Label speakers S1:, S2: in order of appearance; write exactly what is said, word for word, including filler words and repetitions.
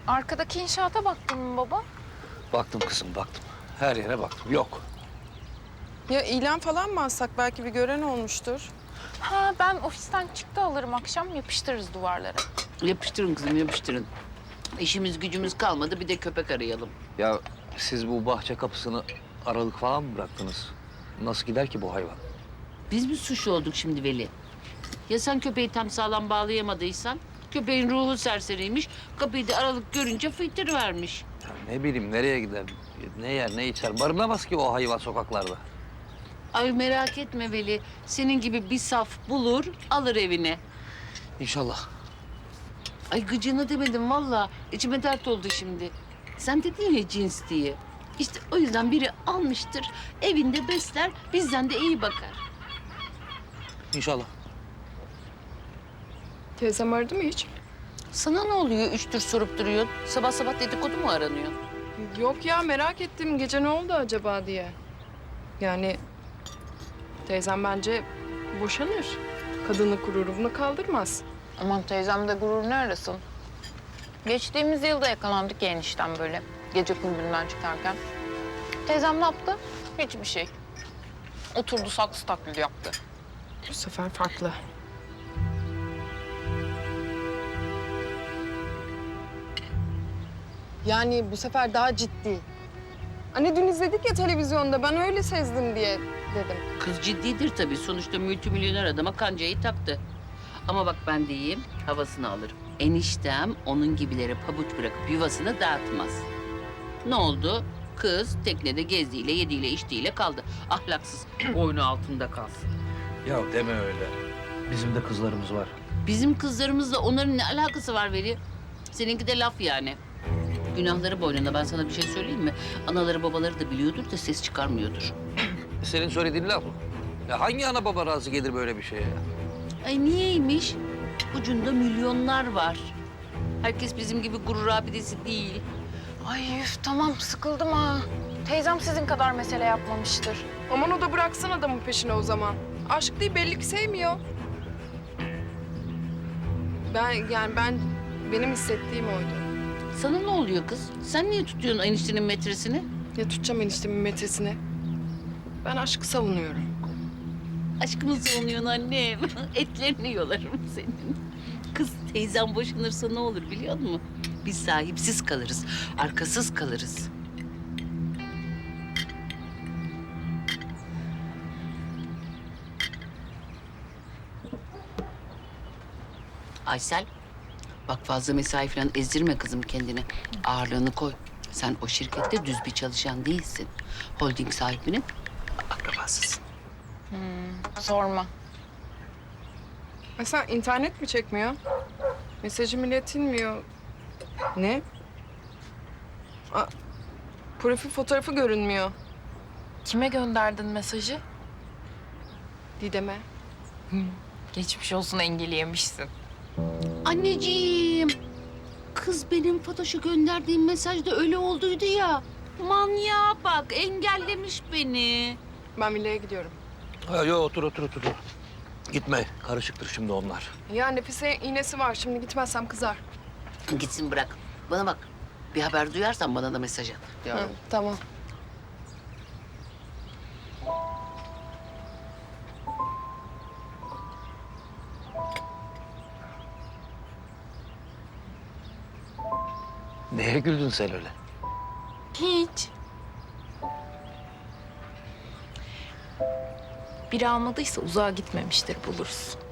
S1: Arkadaki inşaata baktın mı baba?
S2: Baktım kızım, baktım. Her yere baktım. Yok.
S3: Ya ilan falan mı alsak? Belki bir gören olmuştur.
S1: Ha ben ofisten çıktı alırım akşam yapıştırırız duvarlara.
S4: Yapıştırın kızım, yapıştırın. İşimiz gücümüz kalmadı, bir de köpek arayalım.
S2: Ya siz bu bahçe kapısını aralık falan mı bıraktınız? Nasıl gider ki bu hayvan?
S4: Biz mi suçlu olduk şimdi Veli? Ya sen köpeği tam sağlam bağlayamadıysan? Köpeğin ruhu serseriymiş, kapıyı da aralık görünce fıйтır vermiş.
S2: Ya ne bileyim nereye gider, ne yer, ne içer? Barınamaz ki o hayvan sokaklarda.
S4: Ay merak etme Veli, senin gibi bir saf bulur, alır evine.
S2: İnşallah.
S4: Ay gıcığını demedim vallahi, içime dert oldu şimdi. Sen dedin ya cins diye. İşte o yüzden biri almıştır, evinde besler, bizden de iyi bakar.
S2: İnşallah.
S3: Teyzem aradı mı hiç?
S4: Sana ne oluyor üç tür sorup duruyor? Sabah sabah dedikodu mu aranıyor?
S3: Yok ya, merak ettim. Gece ne oldu acaba diye. Yani teyzem bence boşanır. Kadınlık gururu bunu kaldırmaz.
S1: Aman teyzem de gurur ne arasın? Geçtiğimiz yılda yakalandık ya enişten böyle. Gece kulübünden çıkarken. Teyzem ne yaptı? Hiçbir şey. Oturdu saksı taklidi yaptı.
S3: Bu sefer farklı. Yani bu sefer daha ciddi. Hani dün izledik ya televizyonda, ben öyle sezdim diye dedim.
S4: Kız ciddidir tabii. Sonuçta multimilyoner adama kancayı taktı. Ama bak ben diyeyim, havasını alırım. Eniştem onun gibileri pabuç bırakıp yuvasını dağıtmaz. Ne oldu? Kız teknede gezdiğiyle, yediğiyle, içtiğiyle kaldı. Ahlaksız, boynu altında kalsın.
S2: Ya deme öyle. Bizim de kızlarımız var.
S4: Bizim kızlarımızla onların ne alakası var Veli? Seninki de laf yani. Günahları boynunda. Ben sana bir şey söyleyeyim mi? Anaları babaları da biliyordur da ses çıkarmıyordur.
S2: Senin söylediğin laf mı? Ya hangi ana baba razı gelir böyle bir şeye ya?
S4: Ay niyeymiş? Ucunda milyonlar var. Herkes bizim gibi gurur abidesi değil.
S1: Ay üf tamam sıkıldım ha. Teyzem sizin kadar mesele yapmamıştır.
S3: Aman o da bıraksın adamın peşine o zaman. Aşk değil, belli ki sevmiyor. Ben yani ben benim hissettiğim oydu.
S4: Sana ne oluyor kız? Sen niye tutuyorsun eniştenin metresini?
S3: Ya tutacağım eniştemin metresini. Ben aşkı savunuyorum.
S4: Aşkımı savunuyorsun annem. Etlerini yolarım senin. Kız teyzem boşanırsa ne olur biliyor musun? Biz sahipsiz kalırız, arkasız kalırız. Aysel, bak fazla mesai falan ezdirme kızım kendini. Ağırlığını koy. Sen o şirkette düz bir çalışan değilsin. Holding sahibinin akrabasısın.
S1: Sorma.
S3: Mesela internet mi çekmiyor? Mesajım iletilmiyor. Ne? Aa, profil fotoğrafı görünmüyor.
S1: Kime gönderdin mesajı?
S3: Didem'e.
S1: Geçmiş olsun engelleyemişsin.
S4: Anneciğim, kız benim Fatoş'a gönderdiğim mesajda öyle olduydu ya. Manyağa bak, engellemiş beni.
S3: Ben villaya gidiyorum.
S2: Ha, yok otur otur otur. Gitme. Karışıktır şimdi onlar.
S3: Ya Nefise iğnesi var. Şimdi gitmezsem kızar.
S4: Gitsin bırak. Bana bak, bir haber duyarsan bana da mesaj at.
S3: Hı, tamam.
S2: Neye güldün sen öyle?
S1: Hiç. Biri almadıysa uzağa gitmemiştir buluruz.